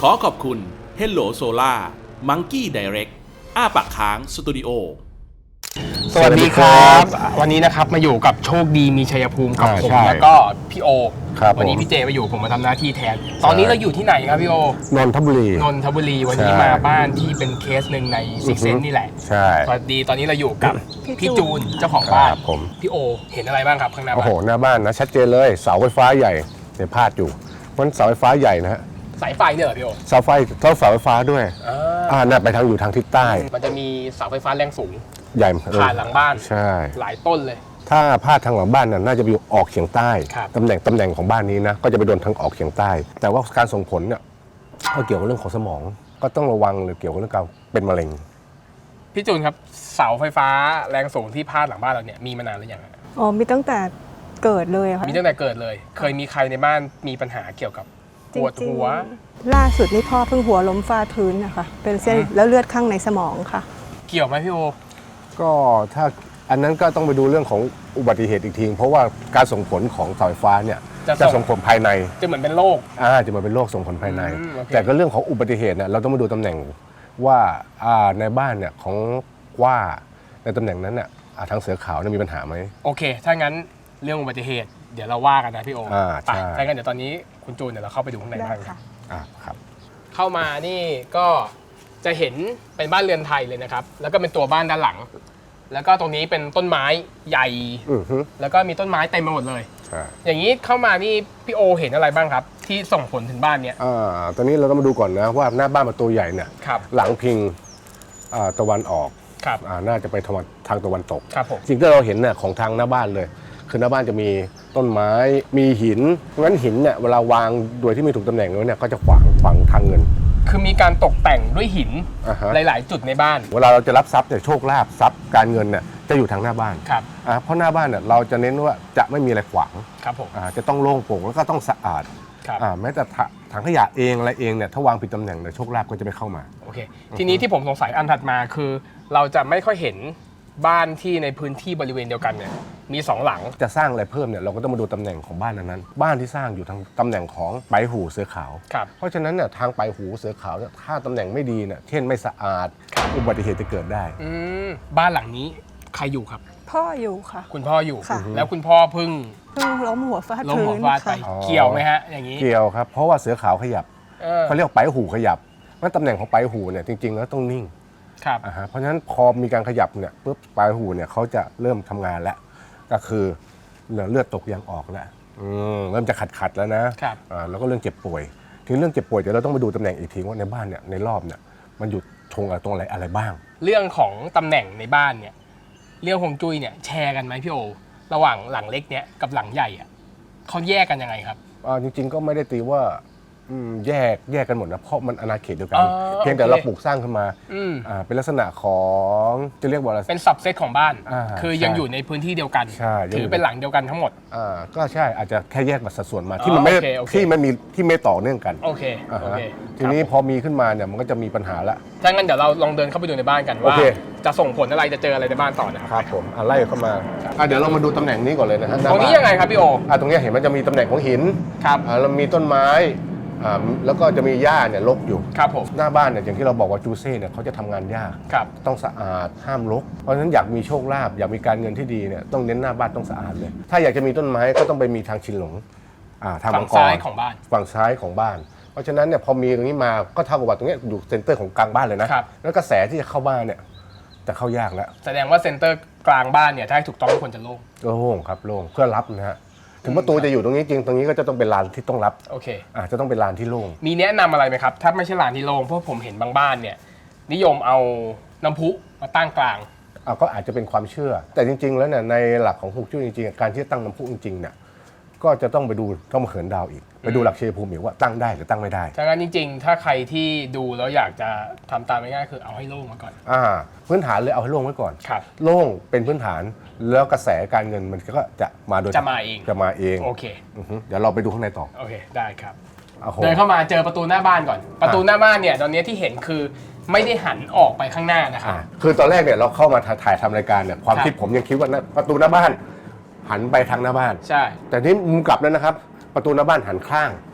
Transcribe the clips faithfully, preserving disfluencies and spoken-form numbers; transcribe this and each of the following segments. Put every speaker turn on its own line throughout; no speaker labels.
ขอขอบคุณ Hello Solar Monkey Direct อ้าปากค้างสตูดิโอ
สวัสดีครับวันนี้นะครับมาอยู่กับโชคดีมีชัยภูมิกับผมแล้วก็พี่โอวันนี้พี่เจมาอยู่ผมมาทำหน้าที่แทนตอนนี้เราอยู่ที่ไหนครับพี่โอน
นทบุรี
นนทบุรีวันนี้มาบ้านที่เป็นเคสหนึ่งในซิกเซนนี่แหละ
ใช่
สวัสดีตอนนี้เราอยู่กับพี่จูนเจ้าของบ้าน
ผม
พี่โอเห็นอะไรบ้างครับข้างหน้าบ้าน
โอ้โหหน้าบ้านนะชัดเจนเลยเสาไฟฟ้าใหญ่เนี่ยพาดอยู่มันเสาไฟฟ้าใหญ่นะฮะ
สายไฟเนี่ยเหรอพี่โอ
เสาไฟเท่าเสาไฟฟ้าด้วยอ่าน่าไปทางอยู่ทางทิศใต้
มันจะมีเสาไฟฟ้าแรงสูง
ใหญ่
ผ่านหลังบ้าน
ใช่
หลายต้นเลย
ถ้าพาดทางหลังบ้านน่ะน่าจะไปอยู่ออกเฉียงใต้ตำแหน่งตำแหน่งของบ้านนี้นะก็จะไปโดนทางออกเฉียงใต้แต่ว่าการส่งผลเนี่ยก็เกี่ยวกับเรื่องของสมองก็ต้องระวังเลยเกี่ยวกับเรื่องการเป็นมะเร็ง
พี่จูนครับเสาไฟฟ้าแรงสูงที่พาดหลังบ้านเราเนี่ยมีมานานหรือยัง
อ๋อมีตั้งแต่เกิดเลยค่ะ
มีตั้งแต่เกิดเลยเคยมีใครในบ้านมีปัญหาเกี่ยวกับปวดหัว
ล่าสุดนี่พ่อเพิ่งหัวล้มฟาดพื้นนะคะเป็นเส้นแล้วเลือดข้างในสมองค่ะ
เกี่ยวไหมพี่โอ
ก็ถ้าอันนั้นก็ต้องไปดูเรื่องของอุบัติเหตุอีกทีเพราะว่าการส่งผลของเสาไฟฟ้าเนี่ยจะส่งผลภายใน
จะเหมือนเป็นโรค
อ่าจะเหมือนเป็นโรคส่งผลภายในแต่ก็เรื่องของอุบัติเหตุเนี่ยเราต้องมาดูตำแหน่งว่าอ่าในบ้านเนี่ยของว่าในตำแหน่งนั้นเนี่ยทางเสือขาวมีปัญหาไหม
โอเคถ้างั้นเรื่องอุบัติเหตุเดี๋ยวเราว่ากันนะพี่โอ
อ่าใช่
ถ้างั้นเดี๋ยวตอนนี้คุณจูนเดี๋ยวเราเข้าไปดูข้างในบ้าน
ค่ะ
อ่าครับ
เข้ามานี่ก็จะเห็นเป็นบ้านเรือนไทยเลยนะครับแล้วก็เป็นตัวบ้านด้านหลังแล้วก็ตรงนี้เป็นต้นไม้ใหญ่แล้วก็มีต้นไม้เต็มไปหมดเลยอย่างนี้เข้ามานี่พี่โอเห็นอะไรบ้างครับที่ส่งผลถึงบ้านเนี้ย
อ่าตอนนี้เราต้องมาดูก่อนนะว่าหน้าบ้านมันตัวใหญ่เนี่ยหลังพิงตะวันออกน่าจะไปทางตะวันตกสิ่งที่เราเห็นเนี่ยของทางหน้าบ้านเลยคือหน้าบ้านจะมีต้นไม้มีหินเพราะฉะนั้นหินเนี่ยเวลาวางโดยที่ไม่ถูกตำแหน่งแล้วเนี่ยก็จะขวางขวางทางเงิน
คือมีการตกแต่งด้วยหินหลายๆจุดในบ้าน
เวลาเราจะรับทรัพย์เนี่ยโชคลาภทรัพย์การเงินเนี่ยจะอยู่ทางหน้าบ้าน
ครับ
เพราะหน้าบ้านเนี่ยเราจะเน้นว่าจะไม่มีอะไรขวาง
ครับผม
จะต้องโล่งโปร่งแล้วก็ต้องสะอาดแม้แต่ถังขยะเองอะไรเองเนี่ยถ้าวางผิดตำแหน่งเนี่ยโชคลาภก็จะไม่เข้ามา
โอเคทีนี้ที่ผมสงสัยอันถัดมาคือเราจะไม่ค่อยเห็นบ้านที่ในพื้นที่บริเวณเดียวกันเนี่ยมีสองหลัง
จะสร้างอะไรเพิ่มเนี่ยเราก็ต้องมาดูตำแหน่งของบ้านนั้นบ้านที่สร้างอยู่ทางตำแหน่งของไปหูเสือขาวเพราะฉะนั้นเนี่ยทางไปหูเสือขาวถ้าตำแหน่งไม่ดีเนี่ยเช่นไม่สะอาดอุบัติเหตุจะเกิดได้
บ้านหลังนี้ใครอยู่ครับ
พ่ออยู่ค่ะ
คุณพ่ออยู่แล้วคุณพ่อพึ่ง
เพิ่งล้มหัวฟาด
ล้มหัวฟาดไปเกี่ยวไหมฮะอย่างนี้
เกี่ยวครับเพราะว่าเสือขาวขยับเขาเรียกไปหูขยับว่าตำแหน่งของไปหูเนี่ยจริงๆแล้วต้องนิ่ง
ครับ
เพราะฉะนั้นพอมีการขยับเนี่ยปุ๊บปลายหูเนี่ยเขาจะเริ่มทำงานแล้วก็คือเลือดตกยางออกแล้วเริ่มจะขัดขัดแล้วนะแล้วก็เรื่องเจ็บป่วยทีเรื่องเจ็บป่วยเดี๋ยวเราต้องไปดูตำแหน่งอีกทีว่าในบ้านเนี่ยในรอบเนี่ยมันอยู่ทงอะไรตรงอะไรอะไรบ้าง
เรื่องของตำแหน่งในบ้านเนี่ยเรื่องฮวงจุ้ยเนี่ยแชร์กันไหมพี่โอระหว่างหลังเล็กเนี่ยกับหลังใหญ่อ่ะเขาแยกกันยังไงครับ
จริงๆก็ไม่ได้ตีว่าแยกแยกกันหมดนะเพราะมันอาณาเขตเดียวกันเพียงแต่เราปลูกสร้างขึ้นมาเป็นลักษณะของจะเรียกว่าอะไร
เป็นซับเซตของบ้านคือยังอยู่ในพื้นที่เดียวกันถือเป็นหลังเดียวกันทั้งหมด
ก็ใช่อาจจะแค่แยกมาสัดส่วนมาที่มันไม่ที่มันมีที่ไม่ต่อเนื่องกัน
โอเคโอเค
ทีนี้พอมีขึ้นมาเนี่ยมันก็จะมีปัญหาละ
ถ้างั้นเดี๋ยวเราลองเดินเข้าไปดูในบ้านกันว่าจะส่งผลอะไรจะเจออะไรในบ้านต่อนะครับ
ผมไล่เข้ามาเดี๋ยวเรามาดูตำแหน่งนี้ก่อนเลยนะฮะ
ตรงนี้ยังไงครับพี่โอ
ตรงนี้เห็นมันจะมีตำแหน่งของหิน
ครับ
เรามีต้นไม้แล้วก็จะมีหญ้าเนี่ยรกอยู่
ครับผม
หน้าบ้านเนี่ยอย่างที่เราบอกว่าจูเซ่เนี่ยเขาจะทำงานยากต้องสะอาดห้ามรกเพราะฉะนั้นอยากมีโชคลาภอยากมีการเงินที่ดีเนี่ยต้องเน้นหน้าบ้านต้องสะอาดเลยถ้าอยากจะมีต้นไม้ก็ต้องไปมีทางชินหลง
ทางฝั่งซ้ายของบ้าน
ฝั่งซ้ายของบ้านเพราะฉะนั้นเนี่ยพอมีตรงนี้มาก็เท่ากับว่าตรงนี้อยู่เซ็นเตอร์ของกลางบ้านเลยนะแล้วกระแสที่จะเข้าบ้านเนี่ยจะเข้ายากแล้ว
แสดงว่าเซ็นเตอร์กลางบ้านเนี่ยถ้าถูกต้องควรจะโล่ง
โล่งครับโล่งเพื่อรับนะฮะถึงประตูจะอยู่ตรงนี้จริงตรงนี้ก็จะต้องเป็นลานที่ต้องรับ
โอเค
อาจจะต้องเป็นลานที่โล่ง
มีแนะนำอะไรไหมครับถ้าไม่ใช่ลานที่โล่งเพราะผมเห็นบางบ้านเนี่ยนิยมเอาน้ำพุมาตั้งกลาง
ก็อาจจะเป็นความเชื่อแต่จริงๆแล้วเนี่ยในหลักของฮวงจุ้ยจริงๆการที่จะตั้งน้ำพุจริงๆเนี่ยก็จะต้องไปดูต้องมาเขินดาวอีกไปดูหลักชัยภูมิอีกว่าตั้งได้หรือตั้งไม่ได้
ฉะนั้นจริงๆถ้าใครที่ดูแล้วอยากจะทำตามง่ายๆคือเอาให้โล่งมาก่อน
อ่าพื้นฐานเลยเอาให้โล่งไว้ก่อนโล่งเป็นพื้นฐานแล้วกระแสการเงินมันก็จะมาโดย
จะมาเอง
จะมาเอง
โอเค
เดี๋ยวเราไปดูข้างในต่อ
โอเคได้ครับเดินเข้ามาเจอประตูหน้าบ้านก่อนประตูหน้าบ้านเนี่ยตอนนี้ที่เห็นคือไม่ได้หันออกไปข้างหน้านะครับ
คือตอนแรกเนี่ยเราเข้ามาถ่ายทำรายการเนี่ยความคิดผมยังคิดว่าประตูหน้าบ้านหันไปทางหน้าบ้าน
ใช่
แต่นี่มุมกลับแล้วนะครับประตูหน้าบ้านหันข้าง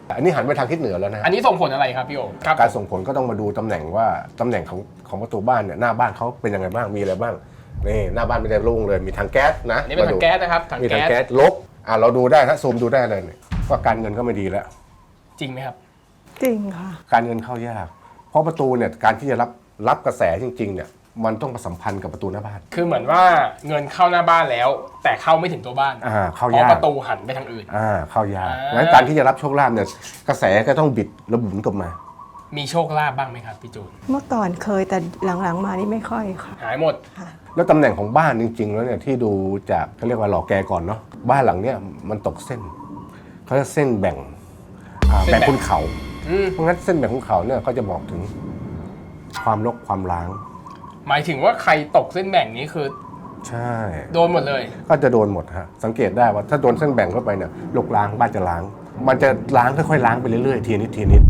อันนี้หันไปทางทิศเหนือแล้วนะ
อันนี้ส่งผลอะไรครับพี่โอครับ
การส่งผลก็ต้องมาดูตำแหน่งว่าตำแหน่งของของประตูบ้านเนี่ยหน้าบ้านเขาเป็นยังไงบ้างมีอะไรบ้างนี่หน้าบ้านไม่ได้โล่งเลยมีถังแก๊สนะ
อันนี้เป็นถังแก๊สนะครับถัง
มีถัง
แก๊
แก๊
ส
สลบอ่าเราดูได้นะซูมดูได้เลยว่าการเงินก็ไม่ดีแล้ว
จริงไหมครับ
จริงค่ะ
การเงินเข้ายากเพราะประตูเนี่ยการที่จะรับรับกระแสจริงๆเนี่ยมันต้องประสัมพันธ์กับประตูหน้าบ้าน
คือเหมือนว่าเงินเข้าหน้าบ้านแล้ว แต่เข้าไม่ถึงตัวบ้าน
อ่าเข้า
เพ
ยาก
ราะประตูหันไปทางอื่น
อ่าเข้ายาก
อ่า
งั้นการที่จะรับโชคลาภเนี่ยกระแสก็ต้องบิดระบุนกลับมา
มีโชคลาภบ้างไหมครับพี่จูน
เมื่อก่อนเคยแต่หลังๆมานี่ไม่ค่อยค่ะ
หายหมด
ค่ะ
แล้วตำแหน่งของบ้านจริงๆแล้วเนี่ยที่ดูจากเขาเรียกว่าหล่อแกก่อนเนาะบ้านหลังเนี้ยมันตกเส้นเขาจะเส้นแบ่งอ่า
เส้นแบ่
แบ่
ง
งคุณเขา
อืม
เพราะงั้นเส้นแบ่งคุณเขาเนี่ยก็จะบอกถึงความรกความล้าง
หมายถึงว่าใครตกเส้นแบ่งนี้คือ
ใช่
โดนหมดเลย
ก็จะโดนหมดฮะสังเกตได้ว่าถ้าโดนเส้นแบ่งเข้าไปเนี่ยรกล้างบ้านจะล้าง มันจะล้างค่อยๆล้างไปเรื่อยๆทีนิดทีนิด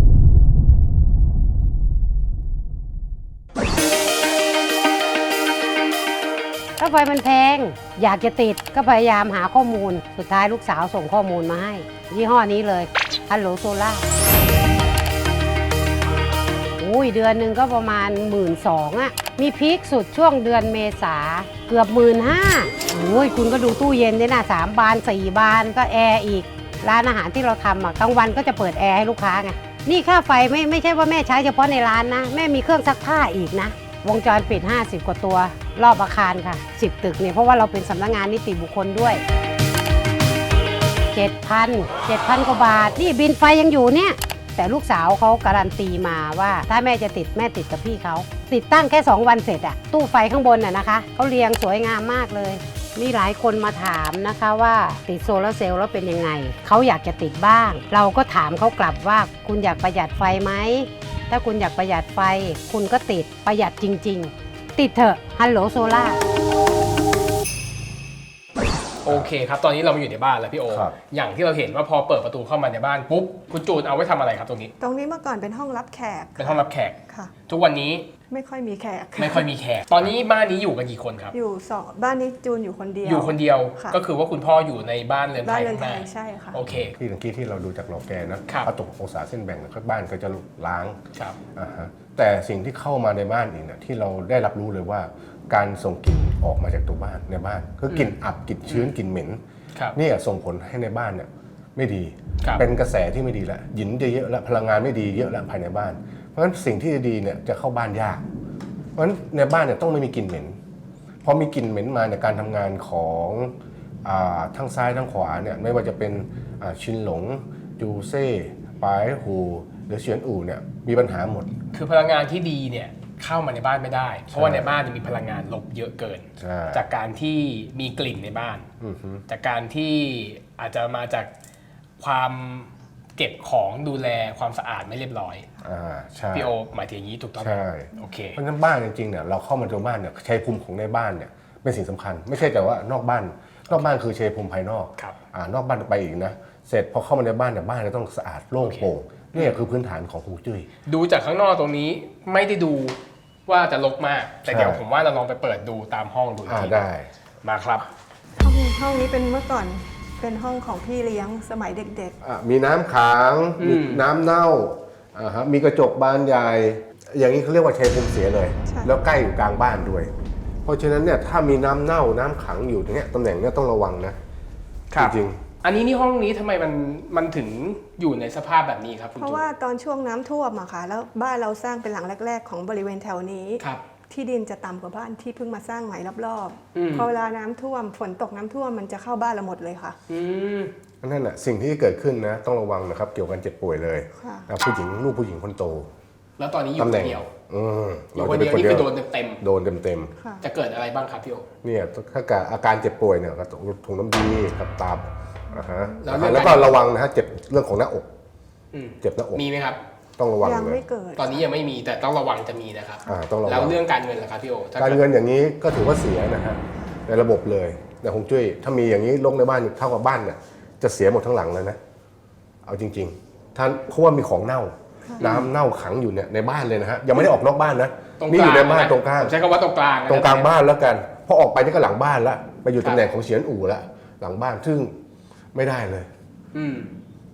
ค่าไฟมันแพงอยากจะติดก็พยายามหาข้อมูลสุดท้ายลูกสาวส่งข้อมูลมาให้ยี่ห้อนี้เลยฮัลโหลโซล่าอุ้ยเดือนหนึ่งก็ประมาณหมื่นสองอะมีพีคสุดช่วงเดือนเมษาเกือบหมื่นห้าโอ้ยคุณก็ดูตู้เย็นเนี่ยนะสามบานสี่บานก็แอร์อีกร้านอาหารที่เราทำอะกลางวันก็จะเปิดแอร์ให้ลูกค้าไงนี่ค่าไฟไม่ไม่ใช่ว่าแม่ใช้เฉพาะในร้านนะแม่มีเครื่องซักผ้าอีกนะวงจรปิดห้าสิบกว่าตัวรอบอาคารค่ะสิบตึกเนี่ยเพราะว่าเราเป็นสำนักงานนิติบุคคลด้วย เจ็ดพัน เจ็ดพัน กว่าบาทนี่บินไฟยังอยู่เนี่ยแต่ลูกสาวเขาการันตีมาว่าถ้าแม่จะติดแม่ติดกับพี่เขาติดตั้งแค่สองวันเสร็จอะตู้ไฟข้างบนอะนะคะเขาเรียงสวยงามมากเลยมีหลายคนมาถามนะคะว่าติดโซลาร์เซลล์แล้วเป็นยังไงเขาอยากจะติดบ้าง เราก็ถามเขากลับว่าคุณอยากประหยัดไฟไหมถ้าคุณอยากประหยัดไฟคุณก็ติดประหยัดจริงๆติดเถอะฮัลโหลโซล่า
โอเคครับตอนนี้เรามาอยู่ในบ้านแล้วพี่โอ
ครับ
อย่างที่เราเห็นว่าพอเปิดประตูเข้ามาในบ้านปุ๊บคุณจูนเอาไว้ทำอะไรครับตรงนี้
ตรงนี้เมื่อก่อนเป็นห้องรับแขก
เป็นห้องรับแขก
ค่ะ
ทุกวันนี้
ไม่ค่อยมีแขก
ไม่ค่อยมีแขก ตอนนี้บ้านนี้อยู่กันกี่คนครับ
อยู่สองบ้านนี้จูนอยู่คนเดียว
อยู่คนเดียว
ค่ะ
ก็คือว่าคุณพ่ออยู่ในบ้านเรือนไท
บ้าน
ย
เรือน
ข้าง
ไท
หน้าย
ใช่ค่ะ
โอเค
ที่เมื่อกี้ที่เราดูจากหล่อแกนะครับ พอตกองศาเส้นแบ่งเนี่ยบ้านก็จะล้าง
ครับ
อ่าฮะแต่สิ่งที่เข้ามาในบ้านอีกเนี่ยที่เราได้รับรู้เลยว่าการส่งกลิ่นออกมาจากตัวบ้านในบ้านคือกลิ่นอับกลิ่นชื้นกลิ่นเหม็น
ครับ
เนี่ยส่งผลให้ในบ้านเนี่ยไม่ดี
ครับ
เป็นกระแสที่ไม่ดีแล้วหยินจะเยอะแล้วพลังงานไม่ดีเยอะแล้วภายในบ้าน เพราะฉะนั้นสิ่งที่ดีเนี่ยจะเข้าบ้านยากเพราะฉะนั้นในบ้านเนี่ยต้องไม่มีกลิ่นเหม็นพอมีกลิ่นเหม็นมาในยการทำงานของอาทั้งซ้ายทั้งขวาเนี่ยไม่ว่าจะเป็นอ่าชินหลงจูเซ่ปายหูหรือเฉียนอู่เนี่ยมีปัญหาหมด
คือพลังงานที่ดีเนี่ยเข้ามาในบ้านไม่ได้ เพราะว่าในบ้านจะมีพลังงานลบเยอะเกิน
ใช่
จากการที่มีกลิ่นในบ้าน
อือฮึ
จากการที่อาจจะมาจากความเก็บของดูแลความสะอาดไม่เรียบร้อย
อ่าใช่
พี่โอหมายถึงอย่างนี้ถูกต้องไหม
ใช่
โอเค
เพราะฉะนั้นบ้านจริงๆเนี่ยเราเข้ามาตัวบ้านเนี่ยชัยภูมิของในบ้านเนี่ยเป็นสิ่งสำคัญ ไม่ใช่แต่ว่านอกบ้านนอกบ้านคือชัยภูมิภายนอก
ครับ
อ่านอกบ้านไปอีกนะเสร็จพอเข้ามาในบ้านเนี่ยบ้านจะต้องสะอาดโล่งโปร่งนี่คือพื้นฐานของฮวงจุ้ย
ดูจากข้างนอกตรงนี้ไม่ได้ดูว่าจะรกมาก แต่
ใช่
เดี๋ยวผมว่าเราลองไปเปิดดูตามห้องดูอีก
อ่า
ที
ได้
มาครับ
ห้องห้องนี้เป็นเมื่อก่อนเป็นห้องของพี่เลี้ยงสมัยเด็ก
อ่ะมีน้ำขังมีน้ำเน่าอ่าฮะมีกระจกบานใหญ่อย่างนี้เขาเรียกว่าชัยภูมิเสียเลย แล้วใกล้อยู่กลางบ้านด้วย เพราะฉะนั้นเนี่ยถ้ามีน้ำเน่าน้ำขังอยู่ตรงเนี้ยตำแหน่งเนี้ยต้องระวังนะจริง
อันนี้นี่ห้องนี้ทำไมมันมันถึงอยู่ในสภาพแบบนี้ครับคุ
ๆ
ณ
เพราะ
จูน
ว่าตอนช่วงน้ำท่วมอะค่ะแล้วบ้านเราสร้างเป็นหลังแรก ๆ ของบริเวณแถวนี้
ครับ
ที่ดินจะต่ำกว่าบ้านที่เพิ่งมาสร้างใหม่รอบ
อืม
ๆพอเวลาน้ำท่วมฝนตกน้ำท่วมมันจะเข้าบ้านเราหมดเลยค่ะ
อืม
นั่นแหละสิ่งที่เกิดขึ้นนะต้องระวังนะครับเกี่ยวกับการเจ็บป่วยเลย
ค่ะ
นะผู้หญิงลูกผู้หญิงคนโต
แล้วตอนนี้อยู่
ตำ
ค
แหน่ง
นเดียว
อืม
อยู่คนเดียวนี่คือโดนเต็ม
โดนเต็ม
ค่ะ
ๆจะเกิดอะไรบ้างครับพี่โอ
ๆเนี่ยถ้าเกิดอาการเจ็บป่วยเนี่ยก็ต้องถุงน้ำดีกับตับอ่าฮะ
แล้วเรื่อง
แล้วก็ระวังนะฮะเจ็บเรื่องของหน้าอก
อืม
เจ็บหน้าอก
มีไหมครับ
ต้องระวัง
ยัง
เลย
ไม่เกิด
ตอนนี้ยังไม่มีแต่ต้องระวังจะมีนะครับ
อ่าต้องระวัง
แล้วเรื่องการเงินล่ะครับพี่โอถ้
การ
ด
เงินอย่างนี้ก็ถือว่าเสียนะฮะในระบบเลยในฮวงจุ้ยถ้ามีอย่างนี้ลงในบ้านเท่ากับบ้านเนี่ยจะเสียหมดทั้งหลังเลยนะเอาจริงๆท่านเพราะว่ามีของเน่า น้ำเน่าขังอยู่เนี่ยในบ้านเลยนะฮะยังไม่ได้ออกนอกบ้านนะ
ตรง
นี่อยู่ในบ้าน
ะ
ตรงกลาง
ผมใช้คำว่าตรงกลางนะ
ตรงกลางบ้านแล้วกันพอออกไปนี่ก็หลังบ้านละไปอยู่ตำแหน่งของเฉียนอู่ละหลังบ้านซึ่งไม่ได้เลย
อืม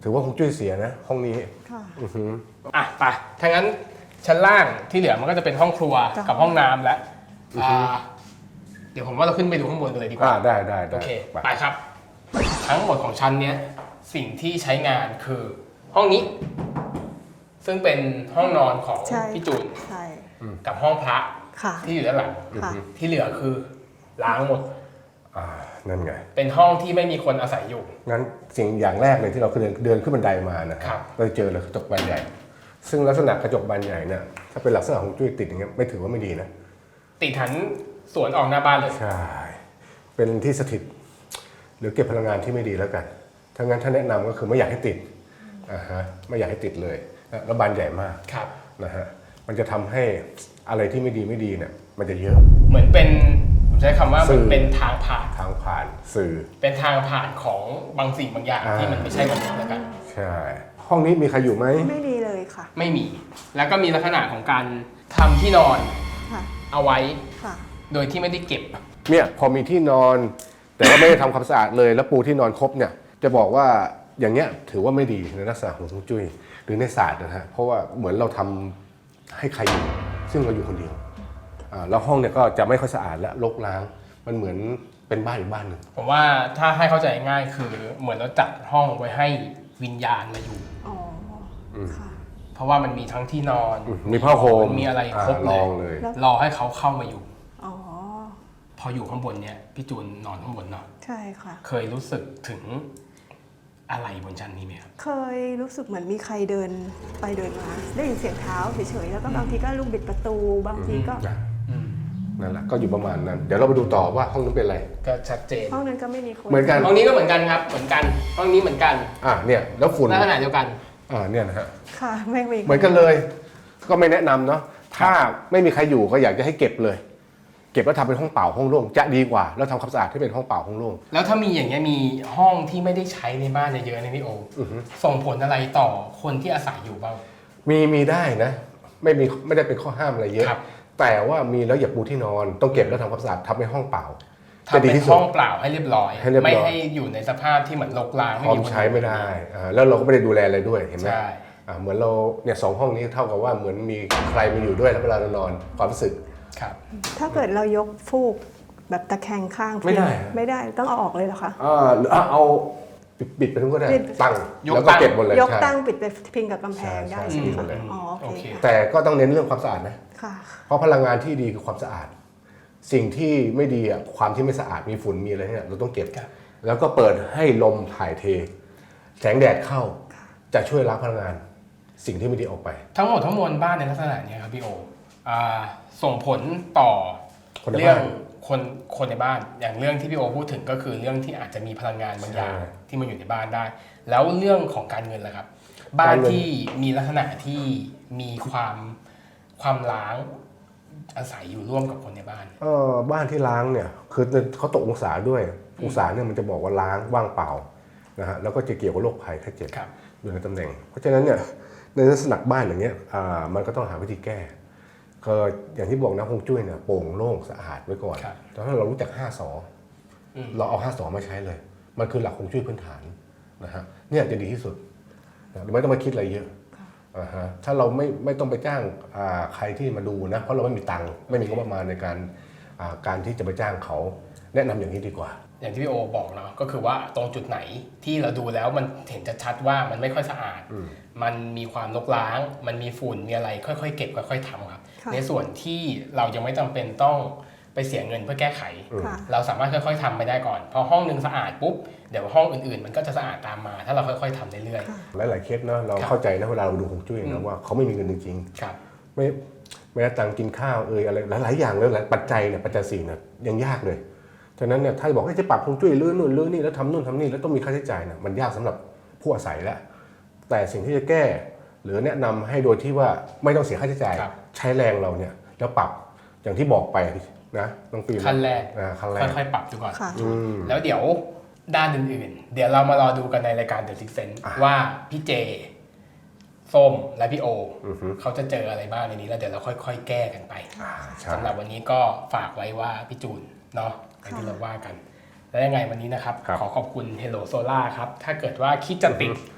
ถือว่าฮวงจุ้ยเสียนะห้องนี้
ค่ะ
อือหือ
อ่ะไปถ้างั้นชั้นล่างที่เหลือมันก็จะเป็นห้องครัว
จ้ะ
กับห้องน้ำแล้ว
อือฮึ
อ่าเดี๋ยวผมว่าเราขึ้นไปดูข้างบนกันเลยดีก
อ่า
ว่า
ได้ได้
โอ
ได้
เค
ไป
ไปครับ ทั้งหมดของชั้นเนี้ยสิ่งที่ใช้งานคือห้องนี้ ซึ่งเป็นห้องนอนของ
ใช่
พี่จูน
ใช่
กับห้องพระ
ค่ะ
ที่อยู่ด้านหลัง
ค่ะ
ที่เหลือคือล้างหมด
อ่านั่นไง
เป็นห้องที่ไม่มีคนอาศัยอยู่
งั้นสิ่งอย่างแรกเลยที่เราเดินเดินขึ้นบันไดมานะครับ เราเจอเลยกระจกบานใหญ่ ซึ่งลักษณะกระจกบานใหญ่เนี่ยถ้าเป็นลักษณะของจุ้ยติดอย่างเงี้ยไม่ถือว่าไม่ดีนะ
ติดหันสวนออกหน้าบ้านเลย
ใช่ เป็นที่สถิตหรือเก็บพลังงานที่ไม่ดีแล้วกันถ้างั้นถ้าแนะนำก็คือไม่อยากให้ติดอ่าฮะไม่อยากให้ติดเลยแล้วบานใหญ่มาก
ครับ
นะฮะมันจะทำให้อะไรที่ไม่ดีไม่ดีเนี่ยมันจะเยอะ
เหมือนเป็นผมใช้คำว่า
สื่
มัน
อ
เป็นทางผ่าน
ทางผ่านสื่อ
เป็นทางผ่านของบางสิ่งบางอย่าง
อ่า
ที่มันไม่ใช่มนุษย์แล้วกัน
ใช่ ห้องนี้มีใครอยู่ไหม
ไม่มีเลยค่ะ
ไม่มี แล้วก็มีลักษณะของการทำที่นอน
ค่ะ
เอาไว้
ค่ะ
โดยที่ไม่ได้เก็บ
เนี่ยพอมีที่นอน แต่ว่าไม่ได้ทำความสะอาดเลยแล้วปูที่นอนครบเนี่ยจะบอกว่าอย่างเงี้ยถือว่าไม่ดีในลักษณะของฮวงจุ้ยหรือในศาสตร์นะฮะเพราะว่าเหมือนเราทำให้ใครอยู่ซึ่งเราอยู่คนเดียวอ่าแล้วห้องเนี่ยก็จะไม่ค่อยสะอาดและรกร้างมันเหมือนเป็นบ้านอีกบ้านหนึ่ง
ผมว่าถ้าให้เข้าใจง่ายคือเหมือนเราจัดห้องไว้ให้วิญญาณมาอยู่
อ๋ออค่ะ
เพราะว่ามันมีทั้งที่นอน
มีผ้าห่ม
มีอะไรครบ
อ่า
เล
ร
ย
องเลย
แล้ว
รอให้เขาเข้ามาอยู่
อ๋อ
พออยู่ข้างบนเนี่ยพี่จูนนอนข้างบนเนาะ
ใช่ค่ะ
เคยรู้สึกถึงอะไรบนชั้นนี้ไหมครับ
เคยรู้สึกเหมือนมีใครเดินไปเดินมา ได้ยินเสียงเท้าเฉยๆ แล้วก็บางทีก็ลูกบิดประตู บางทีก็
นะ
อืม
นั่นแหละก็อยู่ประมาณนั้น เดี๋ยวเราไปดูต่อว่าห้องนั้นเป็นอะไร
ก็ชัดเจน
ห้องนั้นก็ไม่มีคน
เหมือนกัน
ห้องนี้ก็เหมือนกันครับ เหมือนกัน ห้องนี้เหมือนกัน
อ่ะเนี่ยแล้วฝุ่น
ลักษณะเดียวกัน
อ่าเนี่ยนะฮะ
ค่ะ ไม่มี
เหมือนกันเลย ก็ไม่แนะนำเนาะถ้าไม่มีใครอยู่ก็อยากจะให้เก็บเลย เก็บแล้วทำเป็นห้องเปล่าห้องโล่งจะดีกว่า แล้วทำความสะอาดให้เป็นห้องเปล่าห้องโล่ง
แล้วถ้ามีอย่างเงี้ยมีห้องที่ไม่ได้ใช้ในบ้านเยอะๆในพี่โอ
อือฮึ
ส่งผลอะไรต่อคนที่อาศัยอยู่บ้าง
มีมีได้นะ ไม่มีไม่ได้เป็นข้อห้ามอะไรเยอะ
ครับ
แต่ว่ามีแล้วอย่าปูที่นอน ต้องเก็บแล้วทำความสะอาดทำเป็นห้องเปล่า
ทำเป็นห้องเปล่าให้เรียบร้อย
ให้เรียบร้อย
ไม่ให้อยู่ในสภาพที่เหมือนรกร้าง
พร้อม
คน
ใช้ไม่ได้อ่าแล้วเราก็ไม่ได้ดูแลอะไรด้วยเห็นไหม
ใช่
อ่าเหมือนเราเนี่ยสองห้องนี้เท่ากับว่าเหมือนมีใครมาอยู่ด้วยแล้วเวลาเรานอนความรู้สึก
ครับ
ถ้าเกิดเรายกฟูกแบบตะแคงข้าง
ไม่ได้
ไม่ได้ต้องเอาออกเลยเหรอคะ
อ่าหรืออ่ะเอาปิดปิดไปทั้งก็ได้
ปิด
ตั้ง
ยก
แล้วก็
ตั้ง
เก็บหมดเลย
ยก
ใช่
ตั้งปิดไปพิงกับกำแพงได้
ใช่
ใช่ไหม
ใช่
คะ
เลย
อ๋อโอ
โอ
เค
เค
ค่ะ
แต่ก็ต้องเน้นเรื่องความสะอาดนะ
ค่ะ
เพราะพลังงานที่ดีคือความสะอาด สิ่งที่ไม่ดีอ่ะความที่ไม่สะอาดมีฝุ่นมีอะไรเนี่ยเราต้องเก็บ
ครับ
แล้วก็เปิดให้ลมถ่ายเท แสงแดดเข้าจะช่วยล้างพลังงาน สิ่งที่ไม่ดีออกไป
ทั้งหมดทั้งมวลบ้านในลักษณะเนี้ยครับพี่โออ่าส่งผลต่อ
คนใน
เรื่อง
บ้าน
คนคนในบ้าน อย่างเรื่องที่พี่โอพูดถึงก็คือเรื่องที่อาจจะมีพลังงานบางอย่าง
ใช่
ที่มันอยู่ในบ้านได้ แล้วเรื่องของการเงินล่ะครับ บ้าน
การเงิน
ที่มีลักษณะที่มีความความล้างอาศัยอยู่ร่วมกับคนในบ้าน
เออบ้านที่ล้างเนี่ยคือเขาตกองศาด้วยองศาเนี่ยมันจะบอกว่าล้างว่างเปล่านะฮะแล้วก็จะเกี่ยวกับโรคภัยไข้เจ็บ
ครับ
อยู่ในตำแหน่ง เพราะฉะนั้นเนี่ยในลักษณะบ้านอย่างเงี้ยอ่ามันก็ต้องหาวิธีแก้ก็อย่างที่บอกนะฮวงจุ้ยเนี่ยโปร่งโล่งสะอาดไว้ก่อน
ครับ
แต่ถ้าเรารู้จักห้าสอ
อืม
เราเอาห้าสอมาใช้เลย มันคือหลักฮวงจุ้ยพื้นฐานนะฮะเนี่ยจะดีที่สุดนะไม่ต้องไปคิดอะไรเยอะอ่าฮะถ้าเราไม่ไม่ต้องไปจ้างอ่าใครที่มาดูนะเพราะเราไม่มีตังค์ไม่มีงบประมาณในการอ่าการที่จะไปจ้างเขาแนะนำอย่างนี้ดีกว่า
อย่างที่พี่โอบอกเนาะก็คือว่าตรงจุดไหนที่เราดูแล้วมันเห็นชัดๆว่ามันไม่ค่อยสะอาด
อืม
มันมีความรกร้าง มันมีฝุ่นมีอะไรค่อยๆเก็บค่อยๆทำครับ
ค่ะ
ในส่วนที่เรายังไม่จำเป็นต้องไปเสียเงินเพื่อแก้ไข
ค่ะ
เราสามารถค่อยๆทำไปได้ก่อนพอห้องหนึ่งสะอาดปุ๊บเดี๋ยวห้องอื่นๆ มันก็จะสะอาดตามมา ถ้าเราค่อยๆทำเรื่อย
หลายๆเคสเนาะเรา
ครับ
เข้าใจนะเวลาเราดูฮวงจุ้ย
อื
นะ
ม
ว่าเขาไม่มีเงินจริง
ๆครับ
ๆไม่แม้แต่ตังค์กินข้าวเอยอะไรหลายๆอย่างเลยหลายปัจจัยเนี่ยปัจจัยสี่เนี่ยยังยากเลยฉะนั้นเนี่ยถ้าบอกให้จะปรับฮวงจุ้ยลื้อนู่นลื้อนี่แล้วทำนู่นทำนี่แล้วต้องมีค่าใช้จ่ายเนี่ยมันยากสำหรับผู้อาศัยแล้วแต่สิ่งที่จะแก้หรือแนะนำให้โดยที่ว่าไม่ต้องเสียค่าใช้จ่าย
ครับ
ใช้แรงเราเนี่ยแล้วปรับอย่างที่บอกไปนะน้องปี
ขั้นแรก
อ่าขั้นแรก
ค่อยๆปรับดูก่อน
ค่ะ
อืม
แล้วเดี๋ยวด้านอื่นๆ เดี๋ยวเรามารอดูกันในรายการ The Six Sense
อ่ะ
ว่าพี่เจ ส้มและพี่โอ
อือฮึ
เขาจะเจออะไรบ้างในนี้แล้วเดี๋ยวเราค่อยๆ แก้กันไป
อ่าใช่
สำหรับวันนี้ก็ฝากไว้ว่าพี่จูนเนาะอย่างที่เราว่ากัน แล้วยังไงวันนี้นะครับ
ครับ
ขอขอบคุณ Hello Solar ครับ ถ้าเกิดว่าคิดจะติด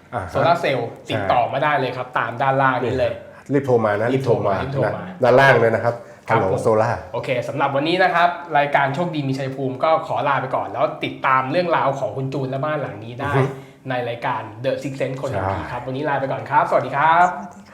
โซลาร์เซลล์ติดต่อมาได้เลยครับตามด้านล่างนี้เลย
รีบโทรมานะรีบโทรมานะด้านล่างเลยนะครับฮัลโหลโซล่า
โอเคสำหรับวันนี้นะครับรายการโชคดีมีชัยภูมิก็ขอลาไปก่อนแล้วติดตามเรื่องราวของคุณจูนและบ้านหลังนี้ได้ในรายการ The Six Sense คนดีครับวันนี้ลาไปก่อนครับสวัสดีครับ